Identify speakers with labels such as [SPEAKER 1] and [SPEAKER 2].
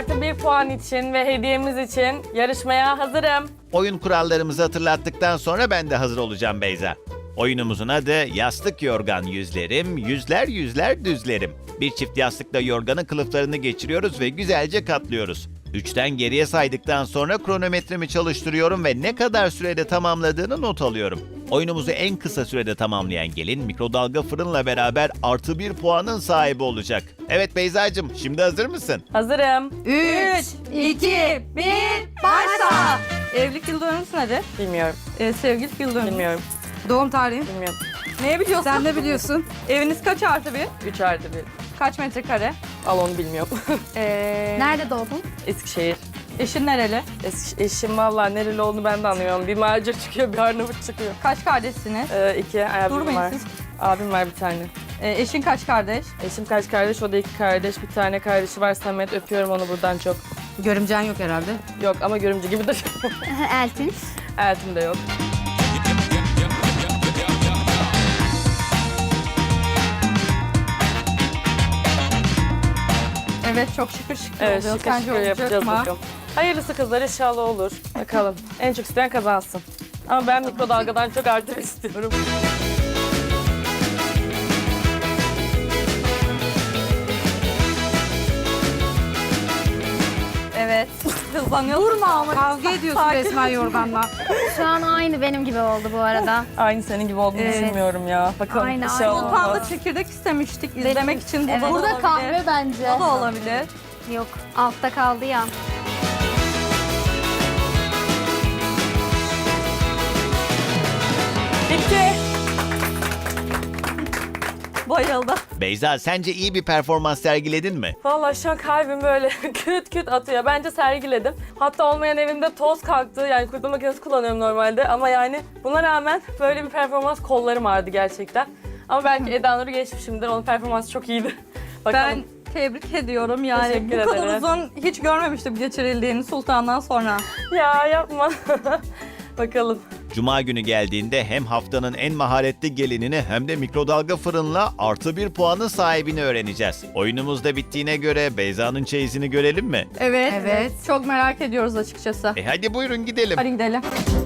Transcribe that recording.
[SPEAKER 1] artı bir puan için ve hediyemiz için yarışmaya hazırım.
[SPEAKER 2] Oyun kurallarımızı hatırlattıktan sonra ben de hazır olacağım Beyza. Oyunumuzun adı yastık yorgan yüzlerim, yüzler yüzler düzlerim. Bir çift yastıkla yorganın kılıflarını geçiriyoruz ve güzelce katlıyoruz. 3'ten geriye saydıktan sonra kronometremi çalıştırıyorum ve ne kadar sürede tamamladığını not alıyorum. Oyunumuzu en kısa sürede tamamlayan gelin mikrodalga fırınla beraber artı bir puanın sahibi olacak. Evet Beyza'cığım, şimdi hazır mısın?
[SPEAKER 1] Hazırım.
[SPEAKER 3] 3, 2, 1, başla. Evlilik yıl dönümüsün hadi.
[SPEAKER 1] Bilmiyorum.
[SPEAKER 3] Sevgililik yıl dönümü.
[SPEAKER 1] Bilmiyorum.
[SPEAKER 3] Doğum tarihi.
[SPEAKER 1] Bilmiyorum.
[SPEAKER 3] Neyi biliyorsun? Sen de biliyorsun. Eviniz kaç artı bir?
[SPEAKER 1] 3 artı 1.
[SPEAKER 3] Kaç metrekare?
[SPEAKER 1] Al onu bilmiyorum.
[SPEAKER 4] Nerede doğdun?
[SPEAKER 1] Eskişehir.
[SPEAKER 3] Eşin nereli?
[SPEAKER 1] Eşim vallahi nereli olduğunu ben de anlıyorum. Bir Macir çıkıyor, bir Arnavut çıkıyor.
[SPEAKER 3] Kaç kardeşsiniz?
[SPEAKER 1] 2 abim
[SPEAKER 3] Durmayın
[SPEAKER 1] var.
[SPEAKER 3] siz.
[SPEAKER 1] Abim var bir tane.
[SPEAKER 3] Eşin kaç kardeş?
[SPEAKER 1] Eşim kaç kardeş? O da 2 kardeş. Bir tane kardeşi var Samet. Öpüyorum onu buradan çok.
[SPEAKER 3] Görümcen yok herhalde.
[SPEAKER 1] Yok ama görümce gibidir.
[SPEAKER 4] Eltin.
[SPEAKER 1] Eltim de yok.
[SPEAKER 3] Evet çok şıkır şıkır
[SPEAKER 1] Evet,
[SPEAKER 3] oluyor.
[SPEAKER 1] şıkır
[SPEAKER 3] Sence
[SPEAKER 1] şıkır
[SPEAKER 3] olacak
[SPEAKER 1] yapacağız
[SPEAKER 3] mı?
[SPEAKER 1] bakalım. Hayırlısı kızlar inşallah olur. Bakalım. En çok isteyen kazansın. Ama ben mikrodalgadan çok artık istiyorum.
[SPEAKER 3] Evet. Hızlanıyorsun. Durma ama. Kavga ediyorsun resmen yorganla.
[SPEAKER 4] Şu an aynı benim gibi oldu bu arada.
[SPEAKER 1] Aynı senin gibi olduğunu
[SPEAKER 3] Evet.
[SPEAKER 1] düşünmüyorum ya. Bakalım
[SPEAKER 4] Aynen,
[SPEAKER 1] inşallah.
[SPEAKER 3] Mutfağında çekirdek istemiştik izlemek için.
[SPEAKER 4] Evet.
[SPEAKER 3] Bu da
[SPEAKER 4] Burada
[SPEAKER 3] olabilir.
[SPEAKER 4] kahve bence.
[SPEAKER 3] Bu da olabilir.
[SPEAKER 4] Yok, altta kaldı ya.
[SPEAKER 1] Bitti.
[SPEAKER 3] Bayıldı.
[SPEAKER 2] Beyza, sence iyi bir performans sergiledin mi?
[SPEAKER 1] Vallahi şu an kalbim böyle küt küt atıyor. Bence sergiledim. Hatta olmayan evimde toz kalktı. Yani kurutma makinesi kullanıyorum normalde. Ama yani buna rağmen böyle bir performans, kollarım ağrıdı gerçekten. Ama belki Eda Nur'u geçmişimdir. Onun performansı çok iyiydi. Bakalım.
[SPEAKER 3] Ben tebrik ediyorum yani.
[SPEAKER 1] Teşekkür
[SPEAKER 3] Bu kadar
[SPEAKER 1] ederim.
[SPEAKER 3] uzun hiç görmemiştim geçirildiğini Sultan'dan sonra.
[SPEAKER 1] Ya yapma. Bakalım.
[SPEAKER 2] Cuma günü geldiğinde hem haftanın en maharetli gelinini hem de mikrodalga fırınla artı bir puanın sahibini öğreneceğiz. Oyunumuz da bittiğine göre Beyza'nın çeyizini görelim mi?
[SPEAKER 3] Evet. Çok merak ediyoruz açıkçası.
[SPEAKER 2] Hadi buyurun gidelim.
[SPEAKER 3] Hadi gidelim.